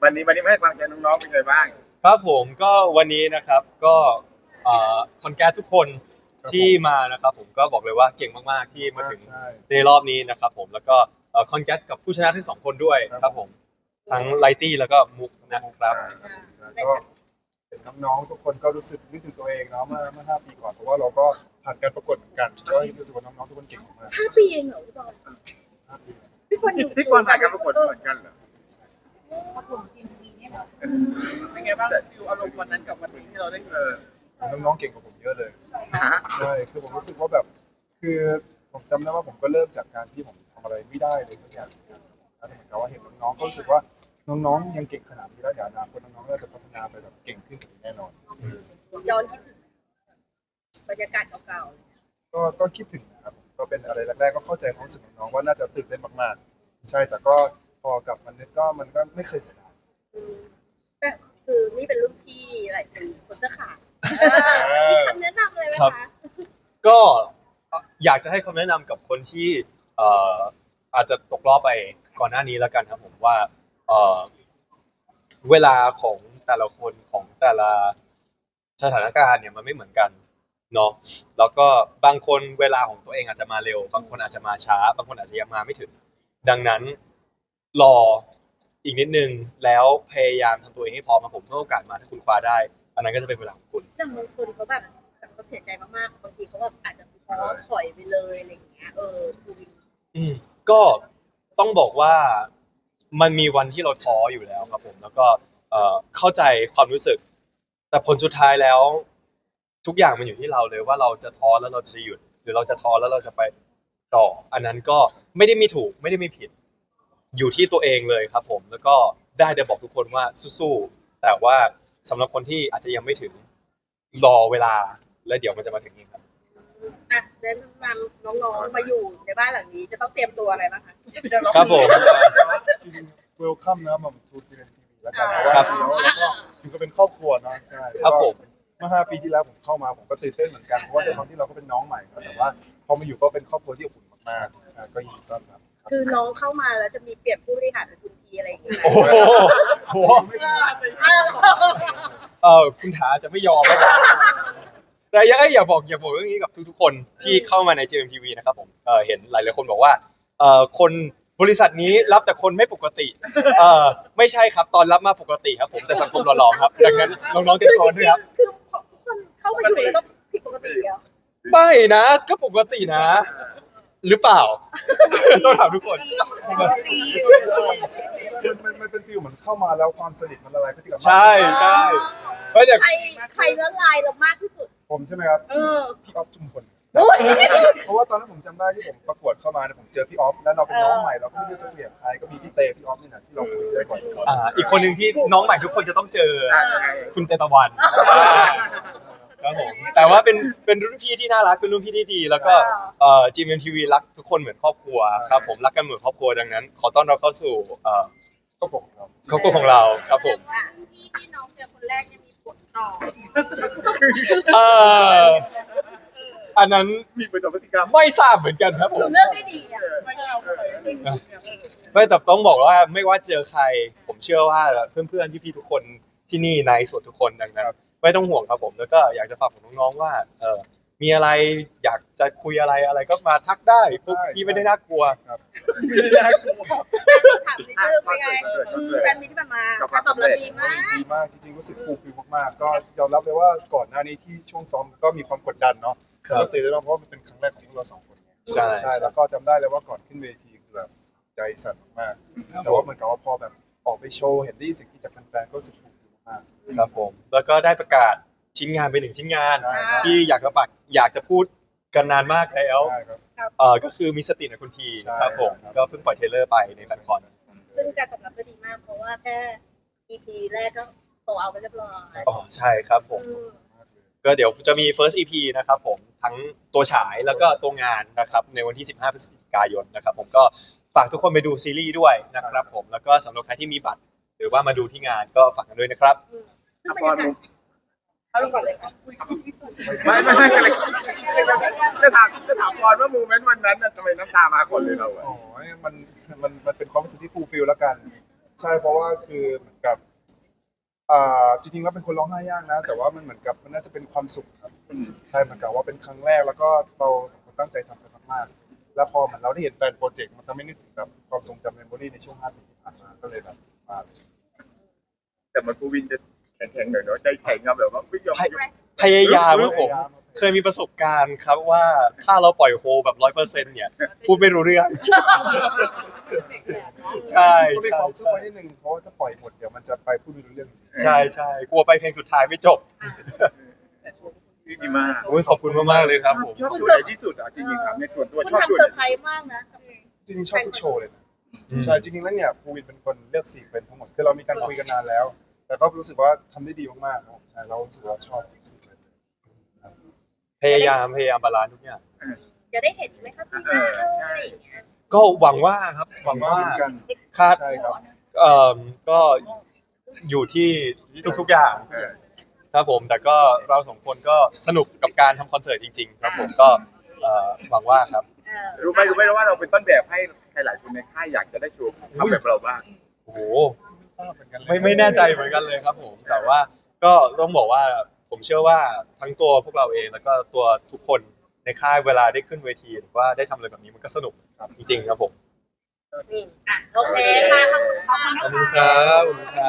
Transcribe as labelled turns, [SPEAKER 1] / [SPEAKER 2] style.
[SPEAKER 1] วันนี้ไม่ให้ความใจน้องๆเป็นไงบ้าง
[SPEAKER 2] ครับผมก็วันนี้นะครับก็คอนแกรสทุกคนที่มานะครับผมก็บอกเลยว่าเก่งมากๆที่มาถึงในรอบนี้นะครับผมแล้วก็คอนแกรสกับผู้ชนะทั้งสองคนด้วยครับผมทั้งไลตี้แล้วก็มุกนะครับ
[SPEAKER 3] ก็เห็นน้องๆทุกคนก็รู้สึกนึกถึงตัวเองเนาะเมื่อ5 ปีก่อนเพราะว่าเราก็ผ่านการประกวดเหมือนกันก็รู้สึกว่าน้องๆทุกคนเก่งมาก
[SPEAKER 4] 5 ปีเองเหรอพี่บอล
[SPEAKER 3] 5 ปี
[SPEAKER 4] พี่บอลอยู่
[SPEAKER 1] พี่กวางถ่ายการประกวดเหมือนกันเหรอ
[SPEAKER 4] ประกวดจริงปีนี้เหรอ
[SPEAKER 5] เป็นไงบ้างฟิลอารมณ์วันนั้นกับวันนี้ที่เราได้เจอ
[SPEAKER 3] น้องๆเก่งกว่าผมเยอะเลย
[SPEAKER 1] ฮะ
[SPEAKER 3] ใช่คือผมรู้สึกว่าแบบคือผมจำได้ว่าผมก็เริ่มจากการที่ผมทำอะไรไม่ได้เลยทุกอย่างแล้วเหมือนกับว่าเห็นน้องๆก็รู้สึกว่าน้องๆยังเก่งขนาดนี้แล้วเดี๋ยวอนาคตน้องๆก็จะพัฒนาไปแบบเก่งขึ้นกว่านี้แน่นอน
[SPEAKER 4] ย้อนคิดถึงบรรยากาศเก่า
[SPEAKER 3] ก็คิดถึงนะครับก็เป็นอะไรแรกๆก็เข้าใจความรู้สึกของน้องว่าน่าจะตื่นเต้นมากๆใช่แต่ก็พอกลับมานึกก็มันก็ไม่เคยเสียดาย
[SPEAKER 4] ๆแต่คือนี่เป็นรุ่นพี่หลายคนเสื้อขาดมีคำแนะนำอะไรไหมคะ
[SPEAKER 2] ก็อยากจะให้คำแนะนำกับคนที่อาจจะตกรอบไปก่อนหน้านี้แล้วกันครับผมว่าเวลาของแต่ละคนของแต่ละสถานการณ์เนี่ยมันไม่เหมือนกันเนาะแล้วก็บางคนเวลาของตัวเองอาจจะมาเร็วบางคนอาจจะมาช้าบางคนอาจจะยังมาไม่ถึงดังนั้นรออีกนิดนึงแล้วพยายามทำตัวเองให้พร้อมมาผมเมื่อโอกาสมาถ้าคุณคว้าได้อันนั้นก็จะเป็นเวลาของคุณ
[SPEAKER 4] แต่บางคนเขาแบบเขาเสียใจมากๆบางทีเขาแบบอาจจะท้อถอยไปเลยอะไรอย่างเงี้ยคือ
[SPEAKER 2] ก็ต้องบอกว่ามันมีวันที่เราท้ออยู่แล้วครับผมแล้วก็เข้าใจความรู้สึกแต่ผลสุดท้ายแล้วทุกอย่างมันอยู่ที่เราเลยว่าเราจะท้อแล้วเราจะหยุดหรือเราจะท้อแล้วเราจะไปต่ออันนั้นก็ไม่ได้มีถูกไม่ได้มีผิดอยู่ที่ตัวเองเลยครับผมแล้วก็ได้แต่บอกทุกคนว่าสู้ๆแต่ว่าสำหรับคนที่อาจจะยังไม่ถึงรอเวลาแล้วเดี๋ยวมันจะมาถึงเองครับ
[SPEAKER 4] อ่ะแนะนำน้องๆมาอยู่ในบ้านหลังนี้จะต้องเตรียมตัวอะไรบ้างคะ
[SPEAKER 2] ครับผม
[SPEAKER 3] จริงๆ welcome นะมาทูทีเอ็นทีวีแล้วกันเพราะว่าจริงๆแล้วก็ถึงก็เป็นครอบครัวเนาะใช่
[SPEAKER 2] ครับผม
[SPEAKER 3] เมื่อ5 ปีที่แล้วผมเข้ามาผมก็ตื่นเต้นเหมือนกันเพราะว่าด้วยความที่เราก็เป็นน้องใหม่แต่ว่าพอมาอยู่ก็เป็นครอบครัวที่อบอุ่นมากๆใช่ก็ยินดีต้อนรับ
[SPEAKER 4] คือน้องเข้ามาแล้วจะมีเปรียบผู้บริหารทุนทีอะไรอย่างเงี้ย
[SPEAKER 2] โอ้โหคุณถาจะไม่ยอมแต่อยากบอกเรื่องนี้กับทุกๆคนที่เข้ามาใน JMTV นะครับผมเห็นหลายๆคนบอกว่าคนบริษัทนี้รับแต่คนไม่ปกติไม่ใช่ครับตอนรับมาปกติครับผมแต่สังคมหล่อๆครับดังนั้นน้องๆเตรียมตัวด้วยครับ
[SPEAKER 4] คือทุกคนเข้ามาอยู่แล้วต้องผิดปกติเหรอ
[SPEAKER 2] ไม่นะก็ปกตินะหรือเปล่าต้องถามทุกคน
[SPEAKER 3] มันเป็นฟีลเหมือนเข้ามาแล้วความสนิทมันละลายพฤติกรรม
[SPEAKER 2] ใช่
[SPEAKER 4] ใครละลายเรามากที่สุด
[SPEAKER 3] ผมใช่ไหมครับพี่ออฟจุมพลเพราะว่าตอนนั้นผมจำได้ที่ผมประกวดเข้ามาเนี่ยผมเจอพี่ออฟแล้วเราเป็นน้องใหม่เราก็ไม่รู้จะเกลียดใครก็มีพี่เตพี่ออฟนี่นะที่เราคุยได้ก่อน
[SPEAKER 2] อีกคนหนึ่งที่น้องใหม่ทุกคนจะต้องเจอคุณเตตะวันครับผมแต่ว่าเป็นรุ่นพี่ที่น่ารักเป็นรุ่นพี่ที่ดีแล้วก็GMMTVรักทุกคนเหมือนครอบครัวครับผมรักกันเหมือนครอบครัวดังนั้นขอต้อนรับเข้าสู่
[SPEAKER 3] ครอบครัวของเรา
[SPEAKER 2] ครับผม
[SPEAKER 4] ที่น้องเจอคนแรกจะมีผลต่อ
[SPEAKER 2] อันนั้น
[SPEAKER 1] มีเป็นพฤติกรรม
[SPEAKER 2] ไม่ทราบเหมือนกันครับผม
[SPEAKER 4] เลือกได้ดีอ่ะ
[SPEAKER 2] ไม่แต่ต้องบอกว่าไม่ว่าเจอใครผมเชื่อว่าเพื่อนๆพี่ๆทุกคนที่นี่ในส่วนทุกคนดังนั้นไม่ต้องห่วงครับผมแล้วก็อยากจะฝากถึงน้องๆว่ามีอะไรอยากจะคุยอะไรก็มาทักได้พวกพี่ไม่ได้น่ากลัว
[SPEAKER 3] ครับ
[SPEAKER 4] ถามนิดนึงเป็นไงแฟนมิตรที่มาตอบรับดี
[SPEAKER 3] มากจริงๆรู้สึกฟูลฟิลมากๆก็ยอมรับเลยว่าก่อนหน้านี้ที่ช่วงซ้อมก็มีความกดดันเนาะก็ตื่นเต้นเพราะว่ามันเป็นครั้งแรกของพวกเรา2 คน
[SPEAKER 2] ใช่
[SPEAKER 3] แล้วก็จำได้เลยว่าก่อนขึ้นเวทีคือแบบใจสั่นมากแต่ว่าเหมือนกับว่าพอแบบออกไปโชว์เห็นได้สิ่งที่จากแฟนๆก็รู้สึกฟูลฟิลมาก
[SPEAKER 2] ครับผมแล้วก็ได้ประกาศชิ้นงานไป1ชิ้นงานที่อยากจะพูดกันนานมากแล้วก็คือมีสติในคุณทีครับผมก็เพิ่งปล่อยเทรลเลอร์ไปในแฟนคอน
[SPEAKER 4] ซึ่งการตอบรับก็ดีมากเพราะว่าแค่ EP แรกก็โตเอาไปเรียบร้อย
[SPEAKER 2] ใช่ครับผมก็เดี๋ยวจะมี first EP นะครับผมทั้งตัวฉายแล้วก็ตัวงานนะครับในวันที่15 พฤศจิกายนนะครับผมก็ฝากทุกคนไปดูซีรีส์ด้วยนะครับผมแล้วก็สำหรับใครที่มีบัตรหรือว่ามาดูที่งานก็ฝากกันด้วยนะครับ
[SPEAKER 4] เอาก่อนเลยค่ะ
[SPEAKER 1] ไม่จะถามก่อนว่าโมเมนต์วันนั้นทำไมน้ำตามาก่อนเลยเรา
[SPEAKER 3] มันเป็นความรู้สึกที่ฟูลฟิลแล้วกันใช่ช่เพราะว่าคือเหมือนกับจริงๆแล้วเป็นคนร้องไห้ยากนะ แต่ว่ามันเหมือนกับมันน่าจะเป็นความสุขครับใช่เหมือนกับว่าเป็นครั้งแรกแล้วก็เราสองคนตั้งใจทำกันมากๆแล้วพอเหมือนเราได้เห็นแฟนโปรเจกต์มันทำให้นึกถึงแบบความทรงจำเมมโมรี่ในช่วง5 ปีที่ผ่านมาก็เลยแบบมา
[SPEAKER 1] แต่มันภูวินจะแข็งๆหน่อยเนาะใจแข็งอะแบบว่าไม่ยอม
[SPEAKER 2] พยายามครับผม เคยมีประสบการณ์ครับว่าถ้าเราปล่อยโฮแบบ100%เนี่ยพูดไม่รู้เรื่อง ใช่
[SPEAKER 3] ก็มี
[SPEAKER 2] ใช่
[SPEAKER 3] ความสุข
[SPEAKER 2] ใช่
[SPEAKER 3] ไว้นิดนึงเพราะว่าถ้าปล่อยหมดเดี๋ยวมันจะไปพูดไม่รู้เรื่องจริง
[SPEAKER 2] ใช่ใช่กลัวไปเพลงสุดท้ายไม่จบ
[SPEAKER 1] ดีมาก
[SPEAKER 2] โอ้ยขอบคุณมากๆเลยครับผม
[SPEAKER 1] ชอบตัวไหนที่สุดอ่ะจริงๆถามในส่วนตัว
[SPEAKER 4] คุณ
[SPEAKER 1] ชอบตัว
[SPEAKER 4] ทำเซ
[SPEAKER 1] ไห
[SPEAKER 4] อน ร์ไพรส์มากนะ
[SPEAKER 3] จริงๆชอบทุกโชว์เลยนะใช่จริงๆแล้วเนี่ยภูวินเป็นคนเลือกซีนเป็นทั้งหมดคือเรามีการคุยกันนานแล้ว แต่ก็รู้สึกว่าทำได้ดีมากๆครับใช่เรารู้สึกว่าชอบทุกซีนเลย
[SPEAKER 2] พยายามบาลานซ์ทุกอย่าง
[SPEAKER 4] จะได้เห็นไหมครับพี่หน้าอะไรอย่างเงี้ย
[SPEAKER 2] ก็หวังว่าครับหวังว่า
[SPEAKER 3] เหมือนกัน
[SPEAKER 2] ครับ
[SPEAKER 3] ใช่ครับ
[SPEAKER 2] ก็อยู่ที่ทุกๆอย่างครับผมแต่ก็เราสองคนก็สนุกกับการทำคอนเสิร์ตจริงๆครับผมก็หวังว่าครับ
[SPEAKER 1] รู้ไหมว่าเราเป็นต้นแบบให้ใครหลายคนในค่ายอยากจะได้โชว์ทำแบบเราบ้าง
[SPEAKER 2] โอ้โห
[SPEAKER 3] ทราบเหมือนกันเลย
[SPEAKER 2] ไม่แน่ใจเหมือนกันเลยครับผมแต่ว่าก็ต้องบอกว่าผมเชื่อว่าทั้งตัวพวกเราเองแล้วก็ตัวทุกคนในค่ายเวลาได้ขึ้นเวทีหรือว่าได้ทำอะไรแบบนี้มันก็สนุกจริงๆครับผม
[SPEAKER 4] โอเคค่ะขอบคุณ
[SPEAKER 2] ขอบคุณครับขอบคุณครับ